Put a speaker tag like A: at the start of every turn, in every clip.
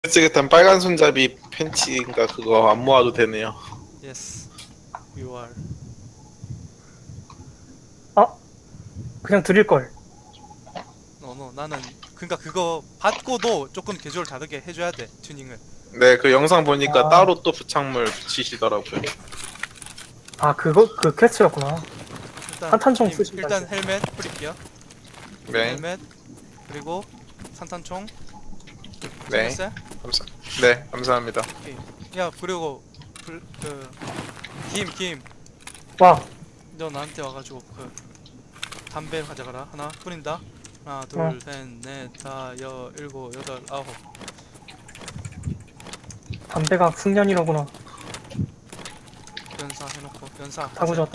A: 쓰겠다는 빨간 손잡이 팬츠인가 그거 안 모아도 되네요.
B: Yes, you are.
C: 아, 그냥 드릴 걸.
B: 나는 그러니까 그거 받고도 조금 개조를 다르게 해줘야 돼 튜닝을.
A: 네, 그 영상 보니까
C: 아.
A: 따로 또 부착물 붙이시더라고요.
C: 아, 그거 그 퀘스트였구나.
B: 일단
C: 산탄총
B: 님,
C: 쓰신다,
B: 일단
C: 이제.
B: 헬멧 뿌릴게요.
A: 네,
B: 헬멧 그리고 산탄총.
A: 네,
B: 챙겼어요?
A: 네, 감사합니다.
B: 오케이. 야 그리고 김,
C: 와,
B: 너 나한테 와가지고 그 담배 가져가라. 하나 뿌린다. 하나, 둘,
C: 어.
B: 셋, 넷, 다, 일곱, 여덟, 아홉.
C: 담배가 숙련이로구나.
B: 연사 해놓고 연사.
C: 다 구졌다.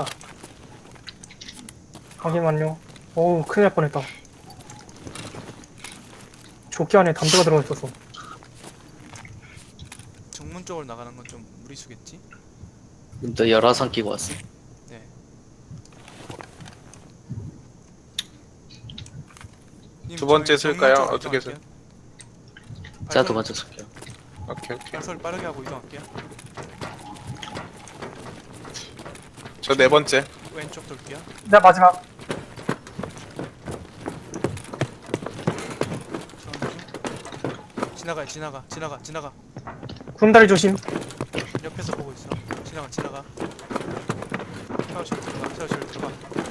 C: 확인 완료. 어우, 큰일 날 뻔했다. 조끼 안에 담배가 들어가 있었어.
B: 정문 쪽으로 나가는 건 좀 무리수겠지?
D: 너 열화상 끼고 왔어?
B: 네. 님,
A: 두 번째
B: 저희
A: 쓸까요?
B: 정문 쪽으로
A: 어떻게
B: 이동할게요.
D: 제가
B: 발소리-
D: 두 번째 쓸게요.
A: 오케이, 오케이.
B: 발소리 빠르게 하고 이동할게요.
A: 저 네 번째.
B: 왼쪽 돌게요.
C: 나 마지막. 지나가. 구름다리 조심.
B: 옆에서 보고 있어. 지나가. 샤워실 들어가.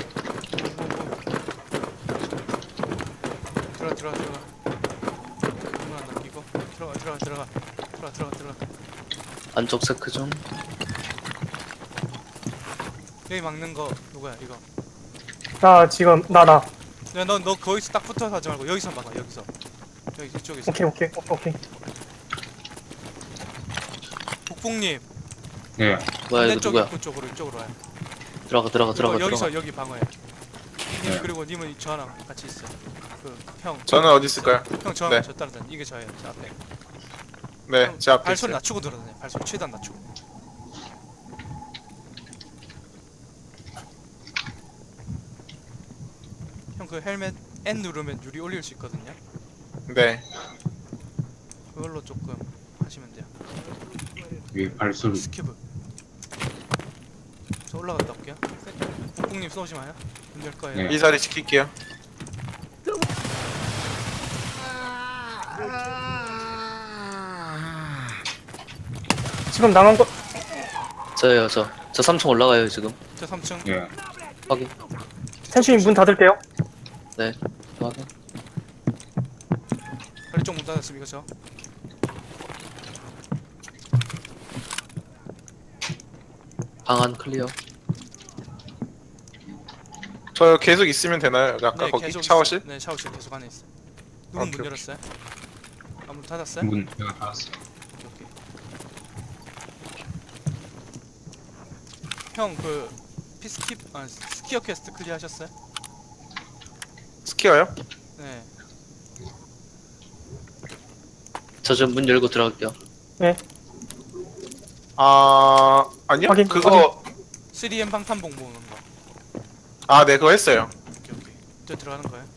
B: 들어가. 문안 남기고 들어가.
D: 안쪽 세크 좀.
B: 여기 막는 거 누구야 이거?
C: 나 지금, 나.
B: 야, 너 거기서 딱 붙어서 하지 말고 여기서 막아. 여기 이쪽에서.
C: 오케이.
B: 북북님
D: 뭐야 이거
B: 반대쪽
D: 누구야?
B: 입구 쪽으로 이쪽으로 와요.
D: 들어가.
B: 여기서 여기 방어해. 님 그리고 님은 저랑 같이 있어. 그 형.
A: 저는 어디 있을까요?
B: 형 저랑
A: 네.
B: 저 따라다니. 이게 저예요. 저 앞에.
A: 네,
B: 형,
A: 제 앞에
B: 발소리
A: 있어요.
B: 낮추고 들어다녀. 발소리 최대한 낮추고. 형 그 헬멧 N 누르면 유리 올릴 수 있거든요.
A: 네,
B: 그걸로 조금 하시면 돼요.
E: 왜 발소리
B: 스키브. 저 올라갔다 올게요. 북북님 쏘지 마요. 문열 거예요.
E: 네.
A: 이 자리 지킬게요.
C: 지금 나간 거,
D: 저예요 저 3층 올라가요 지금.
B: 저 3층.
E: 예
D: 확인.
C: 텐슈님 문 닫을게요.
D: 네. 확인.
B: 관리 쪽문 닫았습니까 저?
D: 방안 클리어.
A: 저 계속 있으면 되나요? 아까 거기
B: 계속
A: 샤워실?
B: 있어요. 네 샤워실 계속 안에 있어. 누군
A: 오케이,
B: 문
A: 오케이.
B: 열었어요? 아 문 닫았어요?
E: 문 내가 닫았어.
B: 오케이. 형 그 스키어 퀘스트 클리어 하셨어요?
A: 스키어요?
B: 네.
D: 저 지금 문 열고 들어갈게요.
A: 아니요?
C: 확인,
A: 그거
B: 3M 방탄복 모으는 거.
A: 네, 그거 했어요.
B: 오케이. 저 들어가는 거예요?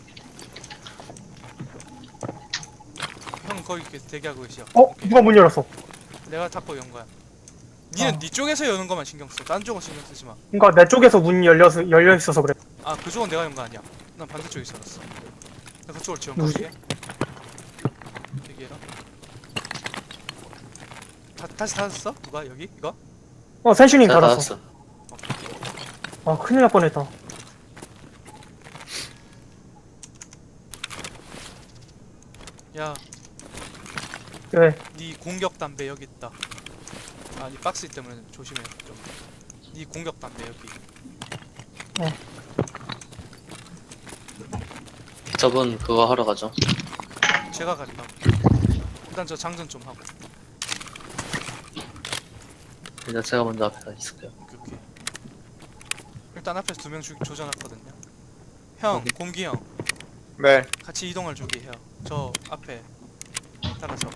B: 형 거기 대기하고 계시죠? 오케이.
C: 누가 문 열었어?
B: 내가 닫고 연 거야. 니는
C: 어.
B: 니 쪽에서 여는 것만 신경 써. 딴 쪽은 신경 쓰지 마.
C: 그니까 내 쪽에서 문 열려 있어서 그래.
B: 아 그쪽은 내가 연 거 아니야. 난 반대쪽에 있었어. 나 그쪽으로 지원
C: 누구지?
B: 갈게. 대기해라. 다시 닫았어? 누가 여기? 이거?
C: 텐슈님
D: 제가
C: 닫았어.
D: 닫았어.
C: 아, 큰일 날 뻔했다.
B: 야,
C: 왜?
B: 네 공격 담배 여기 있다. 아, 이 박스 때문에 조심해 좀. 네 공격 담배 여기.
D: 저분 그거 하러 가죠.
B: 제가 갔다. 일단 저 장전 좀 하고.
D: 일단 제가 먼저 앞에 가 있을게요.
B: 오케이. 일단 앞에서 2명 조져놨거든요. 형,
D: 오케이.
B: 공기 형,
A: 네,
B: 같이 이동을 준비해요. 저 앞에 따라서.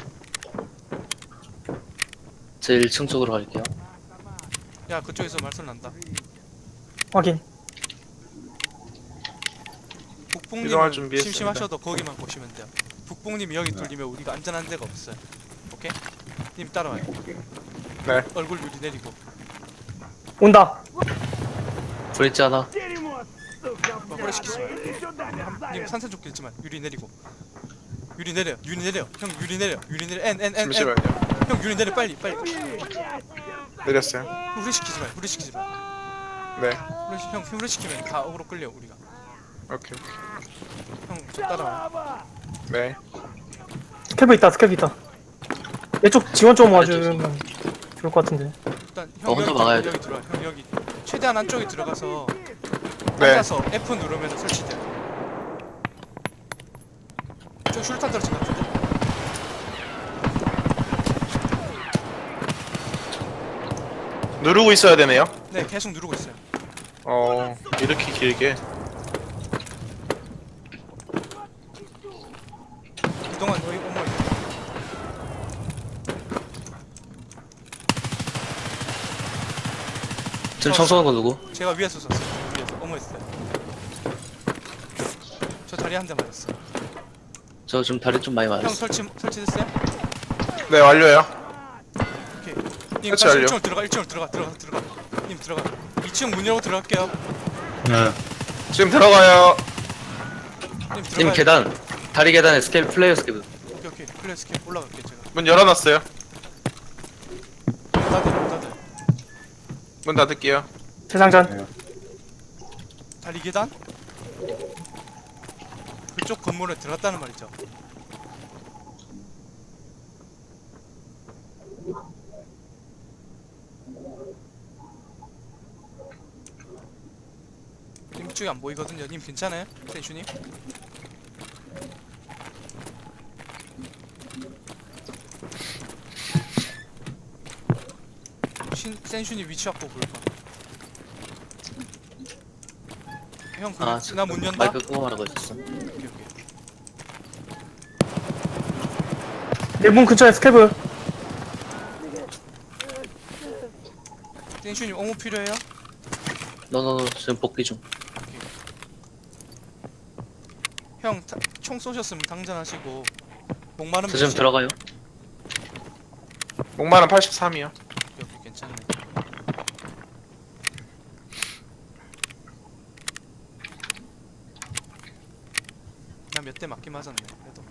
D: 제 1층 쪽으로 갈게요.
B: 야, 그쪽에서 말소리 난다.
C: 확인.
A: 이동할
B: 북북님은
A: 준비했습니다.
B: 심심하셔도 거기만 보시면 돼요. 북봉님이 여기 뚫리면 우리가 안전한 데가 없어요. 오케이? 님 따라와요.
A: 네.
B: 얼굴 유리 내리고.
C: 온다.
D: 브릿지 하나.
B: 오래 시키지 마요. 님 산산조끼 있지만 유리 내리고. 유리 내려. 유리 내려. 형 유리 내려. 유리 내려. N.
A: 잠시만요.
B: 형 유리 내려 빨리.
A: 내렸어요.
B: 후레 시키지 마요. 후레 시키지 마.
A: 네.
B: 형 후레 시키면 다 어그로 끌려 우리가.
A: 오케이.
B: 형 저 따라와.
A: 네.
C: 스캡이 있다. 스캡이 있다. 이쪽 지원 좀 와주면 좋을 것 같은데.
B: 일단 형
D: 혼자
B: 여기
D: 막아야
B: 여기 들어와. 형 여기 최대한 안쪽에 들어가서
A: 네.
B: 앉아서 F 누르면 설치돼. 저 슈루탄 떨어진 것 같은데?
A: 누르고 있어야 되네요.
B: 네 계속 누르고 있어요.
A: 이렇게 길게.
B: 그동안 너희 어머
D: 지금 청소한 거 누구?
B: 제가 위에서 쐈어요. 위에서 어머 했어요. 저 다리 한 대 맞았어.
D: 저 지금 다리 좀 많이
B: 형
D: 맞았어.
B: 설치됐어요?
A: 네, 완료요.
B: 오케이. 님
A: 설치
B: 다시
A: 완료.
B: 1층으로 들어가. 1층으로 들어가. 님 들어가. 2층 문 열고 들어갈게요.
E: 네.
A: 지금 들어가요.
B: 님 들어가.
D: 님 계단. 다리 계단에 스케일 플레이어 스케일.
B: 오케이. 플레이 스킬 올라갈게 제가.
A: 문 열어놨어요.
B: 다들.
A: 문 닫을게요.
C: 재장전.
B: 다리 계단? 그쪽 건물에 들어갔다는 말이죠. 님 이쪽이 안 보이거든요. 님 괜찮아요? 센슈님? 센슈님 위치 확보 볼까? 형
D: 아,
B: 나 문 연다?
D: 마이크 끄고 말하고 있었어.
B: 오케이.
C: 내 문 근처에 스캡을.
B: 센슈님 어무 필요해요?
D: 너너 지금 복귀 중.
B: 형 총 쏘셨으면 당전하시고 목마름
D: 저 지금 들어가요.
A: 목마름 83이요.
B: 오케이, 괜찮네. 나 몇 대 맞긴 맞았네. 그래도.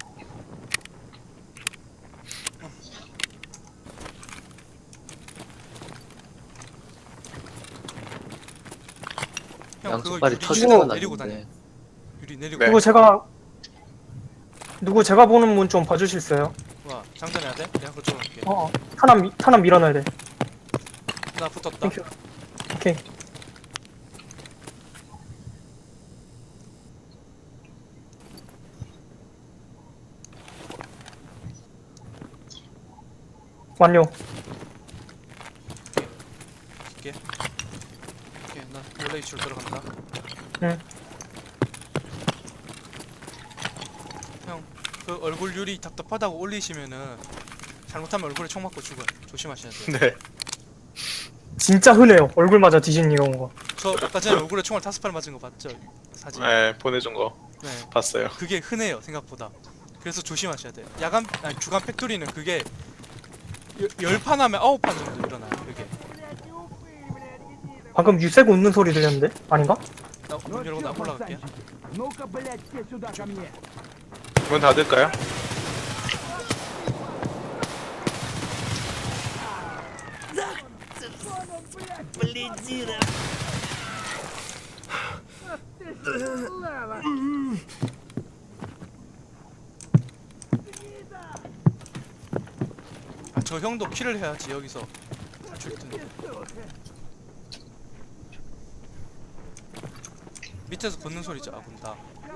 B: 형
D: 양쪽
B: 그거
D: 발이
B: 유리
D: 터지는
B: 내리고 다녀.
D: 났는데.
B: 유리 내리고.
A: 네.
C: 누구 제가 보는 문 좀 봐주실 수 있어요?
B: 와 장전해야 돼? 내가 그쪽으로 갈게.
C: 탄압 밀어넣어야 돼.
B: 나 붙었다.
C: 땡큐. 오케이. 완료.
B: 오케이. 나 원래 이쪽으로 들어간다.
C: 응.
B: 형, 그 얼굴 유리 답답하다고 올리시면은 잘못하면 얼굴에 총 맞고 죽어요. 조심하셔야 돼요.
A: 네.
C: 진짜 흔해요. 얼굴 맞아 뒤진 이런 거.
B: 저 아까 전에 얼굴에 총알 5발 맞은 거 봤죠? 사진.
A: 네, 보내준 거
B: 네.
A: 봤어요.
B: 그게 흔해요 생각보다. 그래서 조심하셔야 돼요. 주간 팩토리는 그게 10판 하면 9판 정도 일어나요. 그게.
C: 방금 유색 웃는 소리 들렸는데? 아닌가?
B: 나 문 열고 나 올라갈게요.
F: Ну-ка, блядь, все сюда ко мне.
A: 문 닫을까요?
B: 아, 저 형도 킬을 해야지 여기서 탈출 텐데. 밑에서 걷는 소리죠. 아, 본다.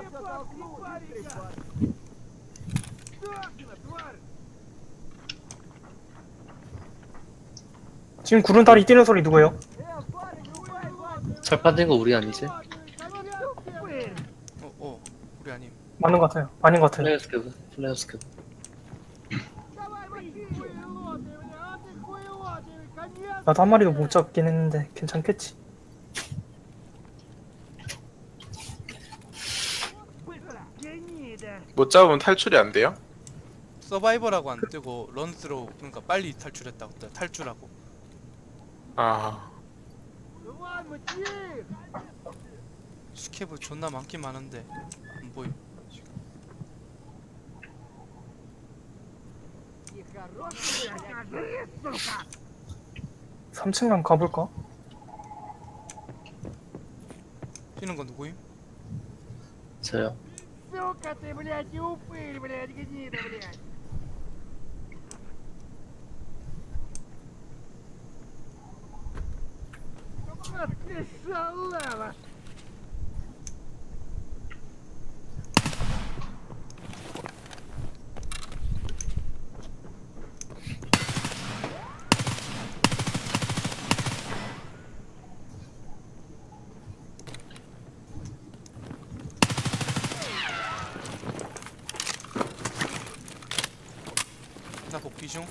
C: 지금 구름다리 뛰는 소리 누구예요?
D: 철판 된 거 우리 아니지?
B: 우리 아님.
C: 맞는 것 같아요. 아닌 것 같아요.
D: 플레이어 스케일. 플레이어 스케일.
C: 나도 한 마리도 못 잡긴 했는데 괜찮겠지.
F: Быстро! Тяни, да!
A: 못 잡으면 탈출이 안 돼요?
B: 서바이벌하고 안 뜨고 런스로 그러니까 빨리 탈출했다고 떠요. 탈출하고.
A: 아,
F: Ну ладно, тихо!
B: 스케브 존나 많긴 많은데 안 보임.
F: И хороший, блядь, сука!
C: 3층간 가볼까?
B: 뛰는 건 누구임?
D: 저요.
F: Сука ты, блядь, и упырь, блядь, гнида, блядь! Вот ты шалава!
B: 나 복귀 중.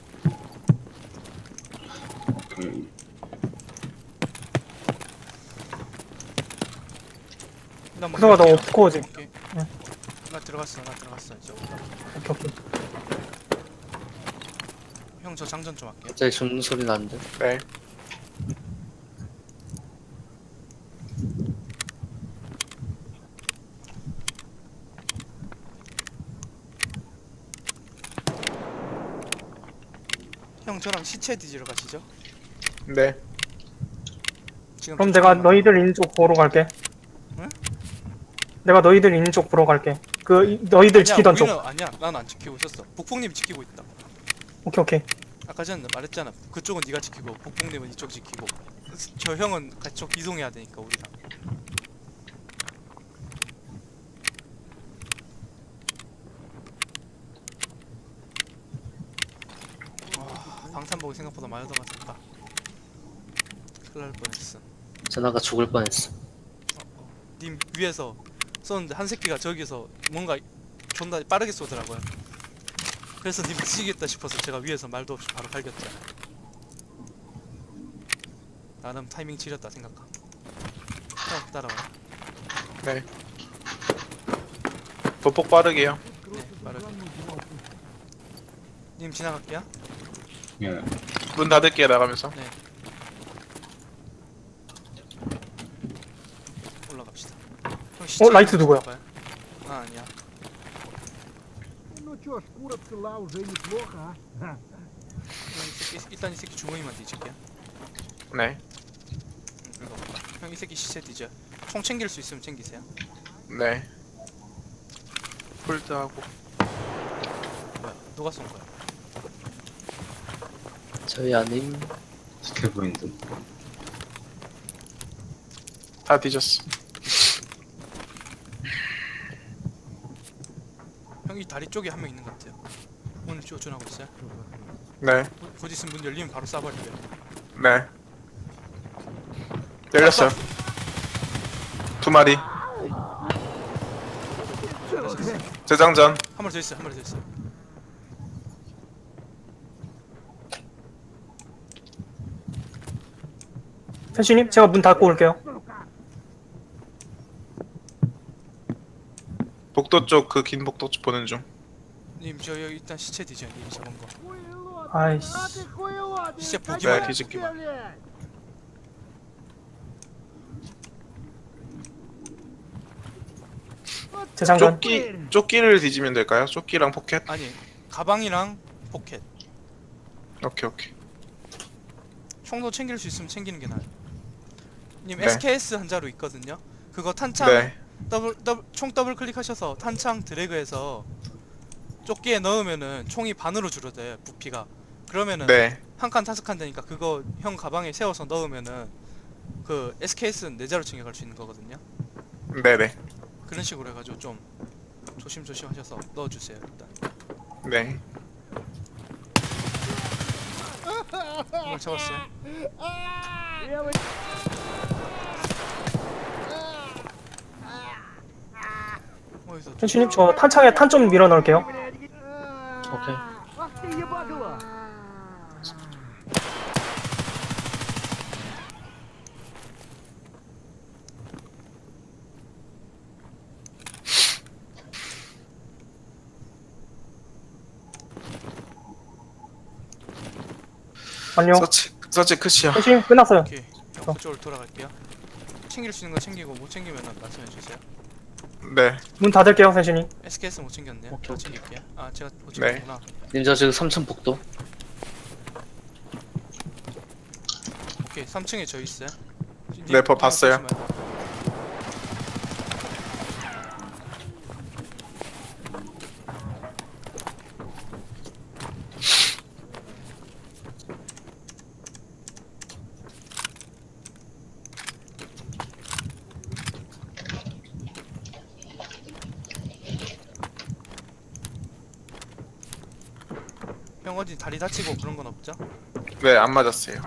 B: 나
C: 그동안 나 옵코어지.
B: 오케이.
C: 응.
B: 나 들어갔어. 이제 올라.
C: 오케이 오케이.
B: 형 저 장전 좀 할게요.
D: 갑자기 죽는 소리 나는데.
A: 네.
B: 형 저랑 시체 뒤지러 가시죠.
A: 네.
B: 지금
C: 그럼 내가
B: 쫓아오는
C: 너희들 있는 쪽 보러 갈게.
B: 응?
C: 내가 너희들 있는 쪽 보러 갈게. 너희들
B: 아니야,
C: 지키던 쪽.
B: 우리는 아니야. 난 안 지키고 있었어. 북풍님 지키고 있다.
C: 오케이 오케이.
B: 아까 전에 말했잖아. 그쪽은 네가 지키고 북풍님은 이쪽 지키고. 저 형은 그쪽 이동해야 되니까 우리랑. 방탄복이 생각보다 많이 들어갔다. 큰일 날 뻔했어.
D: 전화가 죽을 뻔했어.
B: 님 위에서 쏘는데 한 새끼가 저기서 뭔가 존나 빠르게 쏘더라고요. 그래서 님 미치겠다 싶어서 제가 위에서 말도 없이 바로 갈겼죠. 나름 타이밍 지렸다 생각하. 형 따라와.
A: 네. 보폭 빠르게요.
B: 네, 빠르게. 님 지나갈게요.
E: 예.
A: 문 닫을게요, 나가면서.
B: 올라갑시다. 형
C: 라이트 누구야?
B: 봐요. 아 아니야.
F: Ну чё, шкура цела уже неплохо, а? Ха.
B: 일단 이 새끼 주머니만 뒤질게요.
A: 네.
B: 이거. 형 이 새끼 시체 뒤져. 총 챙길 수 있으면 챙기세요.
A: 네. 홀드하고.
B: 뭐야? 누가 쏜 거야?
D: 저희 아님.
E: 스케브인드.
A: 다 뒤졌어.
B: 형 이 다리 쪽에 한 명 있는 것 같아요. 오늘 쫓아나고 있어요.
A: 네.
B: 곧 있으면 문 열리면 바로 쏴버릴게요.
A: 네. 열렸어요. 두 마리. 재장전.
B: 한 마리 더 있어. 한 마리 더 있어.
C: 현신님 제가 문 닫고 올게요.
A: 복도 쪽 그 긴 복도 쪽 보는 중.
B: 님 저 여기 일단 시체 뒤져요. 님이 잡은 거.
F: Хуйло,
C: 아이씨.
F: а ты хуйло,
B: Все
F: ты
B: пугивали.
F: как
A: Физики-ма.
F: блядь?
C: 재장전.
A: 조끼를 뒤지면 될까요? 조끼랑 포켓?
B: 아니 가방이랑 포켓.
A: 오케이 오케이.
B: 총도 챙길 수 있으면 챙기는 게 나아요. 님
A: 네.
B: SKS 한 자루 있거든요. 그거 탄창
A: 네.
B: 총 더블 클릭하셔서 탄창 드래그해서 조끼에 넣으면은 총이 반으로 줄어들어요. 부피가. 그러면은
A: 네.
B: 한 칸 타석한 되니까 그거 형 가방에 세워서 넣으면은 그 SKS는 네 자루 챙겨갈 수 있는 거거든요.
A: 네네.
B: 그런 식으로 해가지고 좀 조심조심 하셔서 넣어주세요 일단.
A: 네.
B: 이걸 잡았어요.
F: Левый
B: 어디서
C: 현신님 저 탄창에 탄 좀 밀어 넣을게요.
D: 오케이.
F: Ах ты ебанула!
C: 안녕.
A: 서치 끝이야.
C: 펜싱 끝났어요.
B: 오케이. 형 그쪽으로 돌아갈게요. 챙길 수 있는 거 챙기고 못 챙기면 말씀해 주세요.
A: 네.
C: 문 닫을게요, 세신이.
B: SKS 못 챙겼네요.
D: 오케이,
B: 저
D: 오케이.
B: 챙길게요. 아 제가 못
A: 네.
B: 챙겼구나.
D: 님 저 지금 3층 복도.
B: 오케이 3층에 저 있어요.
A: 네, 봤어요.
B: 조심하세요. 형 어디 다리 다치고 그런 건 없죠?
A: 네, 안 맞았어요.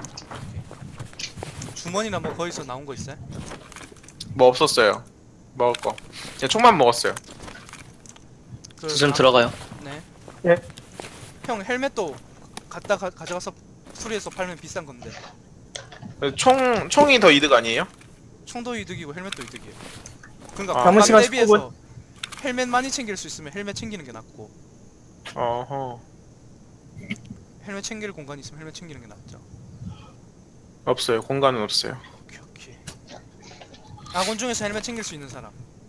B: 주머니나 뭐 거기서 나온 거 있어요?
A: 뭐 없었어요. 먹을 거. 그냥 총만 먹었어요.
B: 그
D: 저 지금 들어가요.
B: 네.
C: 예.
B: 형 헬멧도 가져가서 수리해서 팔면 비싼 건데.
A: 총이 더 이득 아니에요?
B: 총도 이득이고 헬멧도 이득이에요. 그러니까
A: 아.
C: 남은
B: 관광
C: 시간
B: 대비해서 헬멧 많이 챙길 수 있으면 헬멧 챙기는 게 낫고
A: 어허.
B: 헬멧 챙길 공간이 있으면 헬멧 챙기는 게 낫죠.
A: 없어요. 공간은 없어요.
B: 오케이. 아군 중에서 헬멧 챙길 수 있는 사람.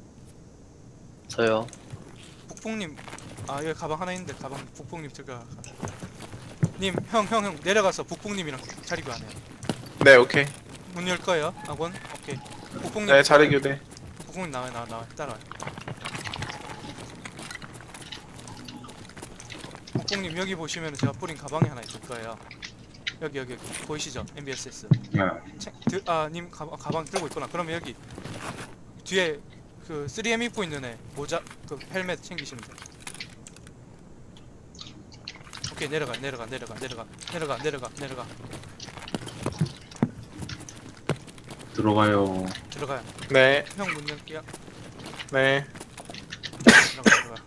D: 저요.
B: 북풍님. 아 여기 가방 하나 있는데 가방 북풍님 들어가. 님 형 내려가서 북풍님이랑 자리 교환해요.
A: 네, 오케이.
B: 문 열 거예요. 아군. 오케이. 북풍님.
A: 네, 자리 교대.
B: 북풍님 나와 따라와. 북풍님 여기 보시면 제가 뿌린 가방이 하나 있을 거예요. 여기 보이시죠? MBSS.
E: 예.
B: 님 가방 들고 있구나. 그러면 여기 뒤에 그 3M 입고 있는 애 모자 그 헬멧 챙기시면 돼. 오케이 내려가.
E: 들어가요.
B: 들어가요.
A: 네,
B: 형 문 열게요.
A: 네.
B: 들어가.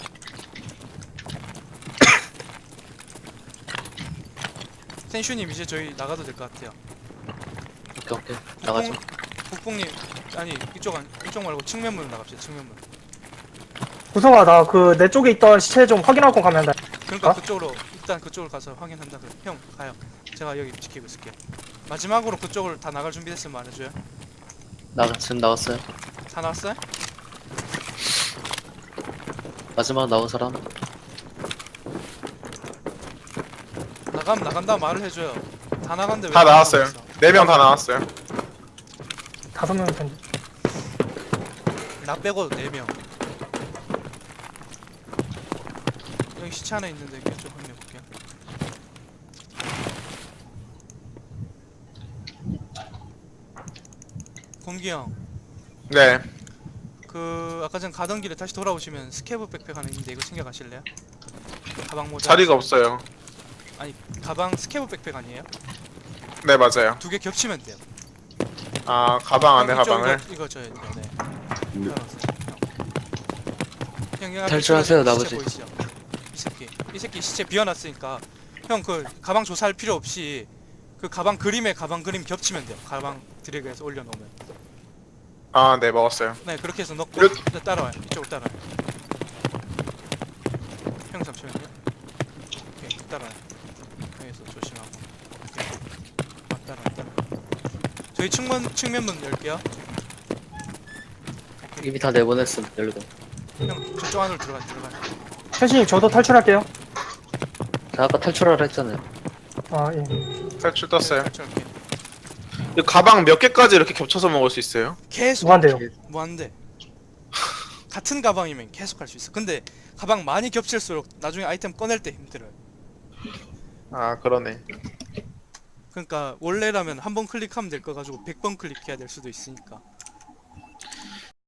B: 센슈님 이제 저희 나가도 될 것 같아요.
D: 오케이. 나가죠.
B: 북풍님 아니 이쪽 말고 측면문으로 나갑시다. 측면문.
C: 구성아, 나 그 내 쪽에 있던 시체 좀 확인하고 가면 돼.
B: 그러니까
C: 어?
B: 일단 그쪽으로 가서 확인한다 그래. 형 가요. 제가 여기 지키고 있을게요. 마지막으로 그쪽을 다 나갈 준비됐으면 말해줘요.
D: 지금 나왔어요.
B: 다 나왔어요?
D: 마지막 나온 사람.
B: 나간다 말을 해줘요. 다 나간데 왜
A: 다
B: 안
A: 나왔어요.
B: 나가고 있어?
A: 4명 다 나왔어요.
C: 5명일 텐데.
B: 나 빼고 4명. 여기 시체 하나 있는데 여기 좀 확인해볼게요. 곰기 형,
A: 네.
B: 그 아까 전 가던 길에 다시 돌아오시면 스케브 백팩 하나 있는데 이거 챙겨가실래요? 가방 모자.
A: 자리가 없어요.
B: 아니 가방 스케브 백팩 아니에요?
A: 네, 맞아요.
B: 2개 겹치면 돼요.
A: 아, 가방 안에
B: 형, 이쪽
A: 가방을.
B: 이거 줘야 돼요. 네.
E: 네.
B: 형, 여기 앞에
D: 탈출하세요,
B: 시체
D: 나머지.
B: 보이시죠? 이 새끼 시체 비워놨으니까 형 그 가방 조사할 필요 없이 그 가방 그림에 가방 그림 겹치면 돼요. 가방 드래그해서 올려놓으면.
A: 아, 네, 먹었어요.
B: 네 그렇게 해서 넣고
A: 이렇게-
B: 네, 따라와요. 이쪽으로 따라와요. 형 잠시만요. 오케이 따라와요. 여기서 조심하고. 오케이. 따라와. 저희 측면문 열게요.
D: 이미 다 내보냈음. 열리고.
B: 형 저쪽 안으로 들어가.
C: 세신이 저도 탈출할게요.
D: 자, 아까 탈출하라 했잖아요.
C: 아, 예.
A: 탈출 떴어요.
B: 탈출할게.
A: 이 가방 몇 개까지 이렇게 겹쳐서 먹을 수 있어요?
B: 계속
C: 무한대요.
B: 무한대. 같은 가방이면 계속 할 수 있어. 근데 가방 많이 겹칠수록 나중에 아이템 꺼낼 때 힘들어요.
A: 아, 그러네.
B: 그러니까 원래라면 한 번 클릭하면 될 거 가지고 100번 클릭해야 될 수도 있으니까.